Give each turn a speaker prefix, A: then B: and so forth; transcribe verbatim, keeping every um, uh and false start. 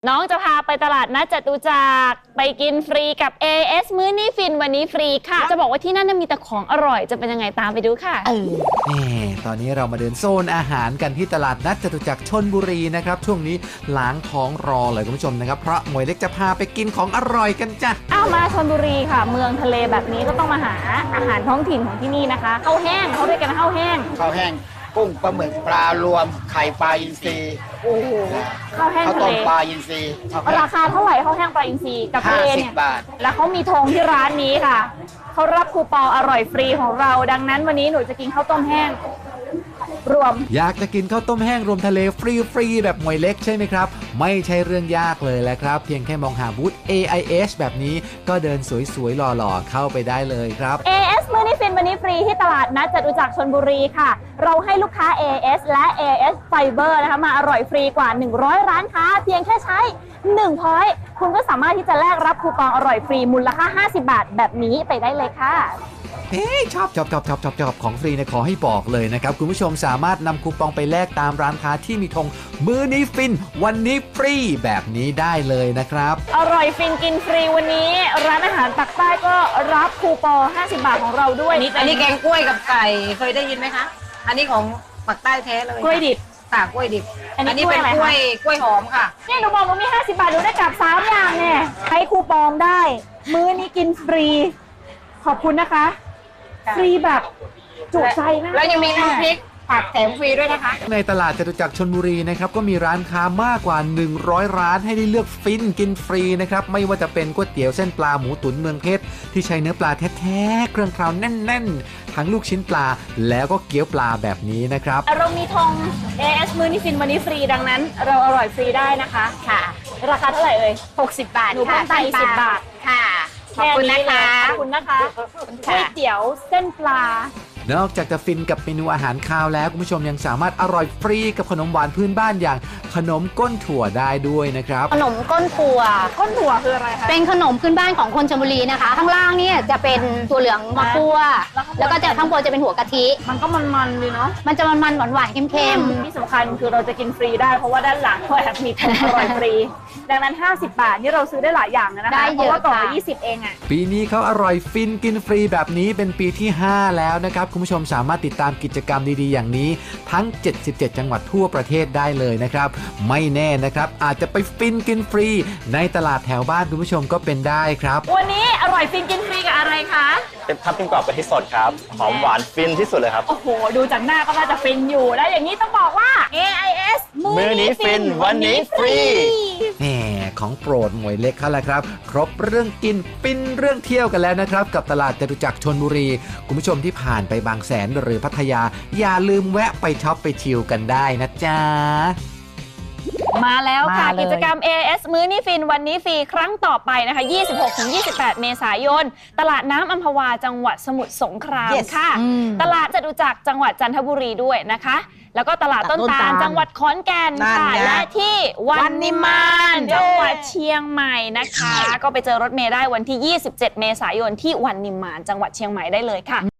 A: น้องจะพาไปตลาดนัดจตุจักรไปกินฟรีกับ เอ เอส มื้อนี้ฟินวันนี้ฟรีค่ะจะบอกว่าที่นั่นมีแต่ของอร่อยจะเป็นยังไงตามไปดูค่ะ
B: เออ
C: นี่ตอนนี้เรามาเดินโซนอาหารกันที่ตลาดนัดจตุจักรชลบุรีนะครับช่วงนี้ล้างท้องรอเลยคุณผู้ชมนะครับเพราะหมวยเล็กจะพาไปกินของอร่อยกันจ้ะ
A: อ้าวมาชลบุรีค่ะเมืองทะเลแบบนี้ก็ต้องมาหาอาหารท้องถิ่นของที่นี่นะคะข้าวแห้งเขาเรียกกันข้าวแห้ง
B: ข้าวแห้งกุ้งปลาหมึกปลารวมไข่ปลาอินทรี
A: โอ้โหข้าวแห้ง
B: ข้าว
A: ทะ
B: ต้
A: เล
B: มปลาอินทรีข้าวแห้ง
A: ราคาเท่าไหร่ข้าวแห้งปลาอินทรีกับทะเลเนี่ย
B: ห้าสิบบาท
A: แล้วเขามีธงที่ร้านนี้ค่ะเขารับคูปองอร่อยฟรีของเราดังนั้นวันนี้หนูจะกินข้าวต้มแห้งรวม
C: อยากจะกินข้าวต้มแห้งรวมทะเลฟรีๆแบบหมวยเล็กใช่ไหมครับไม่ใช่เรื่องยากเลยแหละครับเพียงแค่มองหาบูธ เอ ไอ เอส แบบนี้ก็เดินสวยๆหล่อๆเข้าไปได้เลยครับ
A: เอ เอส มื้อนี้ฟินวันนี้ฟรีที่ตลาดนัดจตุจักรชลบุรีค่ะเราให้ลูกค้า เอ เอส และ เอ เอส Fiber นะคะมาอร่อยฟรีกว่าหนึ่งร้อยร้านค้าเพียงแค่ใช้หนึ่ง พอยต์คุณก็สามารถที่จะแลกรับคูปองอร่อยฟรีมูลค่าห้าสิบบาทแบบนี้ไปได้เลยค่ะ
C: เฮ้ยชอบชอบชอบชอบชอบชอบของฟรีเนี่ยขอให้บอกเลยนะครับคุณผู้ชมสามารถนำคูปองไปแลกตามร้านค้าที่มีธงมื้อนี้ฟินวันนี้ฟรีแบบนี้ได้เลยนะครับ
A: อร่อยฟินกินฟรีวันนี้ร้านอาหารปักใต้ก็รับคูปองห้าสิบบาทของเราด้วย
D: อันนี้แกงกล้วยกับไก่เคยได้ยินไหมคะอันนี้ของปักใต้แท้เลย
A: กล้วยดิบ
D: ค่ะกล้วยดิบ
A: อันนี้
D: นี้เป็น
A: ก
D: ก
A: ล้
D: ล้ว
A: วย
D: ย
A: อะไรคะ
D: กล้วยหอมค่ะ
A: นี่หนูบอกว่ามีห้าสิบบาทหนูได้กลับสามอย่างเนี่ยใช้คูปองได้ มื้อนี้กินฟรี ขอบคุณนะคะ
D: ค่ะ
A: ฟรีแบบจุใจมาก
D: แล้วยังมีน้ำพริกผักแถมฟรีด้วยนะคะ
C: ในตลาดจตุจักรชลบุรีนะครับก็มีร้านค้ามากกว่าหนึ่งร้อยร้านให้ได้เลือกฟินกินฟรีนะครับไม่ว่าจะเป็นก๋วยเตี๋ยวเส้นปลาหมูตุ๋นเมืองเพชรที่ใช้เนื้อปลาแท้ๆเครื่องเคราวแน่นๆทั้งลูกชิ้นปลาแล้วก็เกี๊ยวปลาแบบนี้นะครับ
A: เรามีธง เอ เอส มื้อนี้ฟินวันนี้ฟรีดังนั้น เราอร่อยฟรีได้นะคะค่ะ ราคาเท่าไหร่เอ่ยหกสิบบาทหนูเพิ่มไปสิบบาท
D: ค่ะขอบคุณนะคะ
A: ขอบคุณนะคะก๋วยเตี๋ยวเส้นปลาน
C: อกจากจะฟินกับเมนูอาหารคาวแล้วคุณผู้ชมยังสามารถอร่อยฟรีกับขนมหวานพื้นบ้านอย่างขนมก้นถั่วได้ด้วยนะครับ
E: ขนมก้นถั่ว
A: ก้นถั่วคืออะไรคะ
E: เป็นขนมพื้นบ้านของคนชลบุรีนะคะ ข้างล่างเนี่ยจะเป็นถั่วเหลืองมะกั่วแล้วก็จะข้างบนจะเป็นหัวกะทิ
A: มันก็มันๆดีเนาะ
E: มันจะมันๆหวานๆเค็ม
A: ที่สำคัญคือเราจะกินฟรีได้เพราะว่าด้านหลังก็แอบมีธงอร่อยฟรี ดังนั้นห้าสิบบาทนี่เราซื้อได้หลายอย่างเลยนะคะเพราะว่ากล่องละยี่สิบเองอ่ะ
C: ปีนี้เขาอร่อยฟินกินฟรีแบบนี้เป็นปีที่ห้าแล้วนะครับคุณผู้ชมสามารถติดตามกิจกรรมดีๆอย่างนี้ทั้งเจ็ดสิบเจ็ดจังหวัดทั่วประเทศได้เลยนะครับไม่แน่นะครับอาจจะไปฟินกินฟรีในตลาดแถวบ้านคุณผู้ชมก็เป็นได้ครับ
A: วันนี้อร่อยฟินกินฟรีกับอะไรคะ
F: เป็นทับทิมกรอบกะทิสดครับหอมหวานฟินที่สุดเลยครับ
A: โอ้โหดูจากหน้าก็น่าจะฟินอยู่แล้วอย่างนี้ต้องบอกว่า เอ ไอ เอส
F: มื้อนี้ฟินวันนี้ฟรี
C: แหมของโปรดหมวยเล็กเขาแหละครับครบเรื่องกินฟินเรื่องเที่ยวกันแล้วนะครับกับตลาดจตุจักรชลบุรีคุณผู้ชมที่ผ่านไปบางแสนหรือพัทยาอย่าลืมแวะไปช็อปไปชิลกันได้นะจ๊ะ
A: มาแล้วค่ะ
D: มาเลย
A: กิจกรรม เอ เอส มื้อนี้ฟินวันนี้ฟรีครั้งต่อไปนะคะ ยี่สิบหกถึงยี่สิบแปด เมษายน ตลาดน้ำอัมพวาจังหวัดสมุทรสงคราม
D: Yes
A: ค่ะ
D: อืม
A: ตลาดจตุจักรจังหวัดจันทบุรีด้วยนะคะ แล้วก็ตลาดต้นตาลจังหวัดขอนแก่นค่ะ
D: นั่นไง
A: และที่วันนิมาน
D: เย้
A: จังหวัดเชียงใหม่นะคะ ก็ไปเจอรถเมล์ได้วันที่ ยี่สิบเจ็ด เมษายนที่วันนิมานจังหวัดเชียงใหม่ได้เลยค่ะ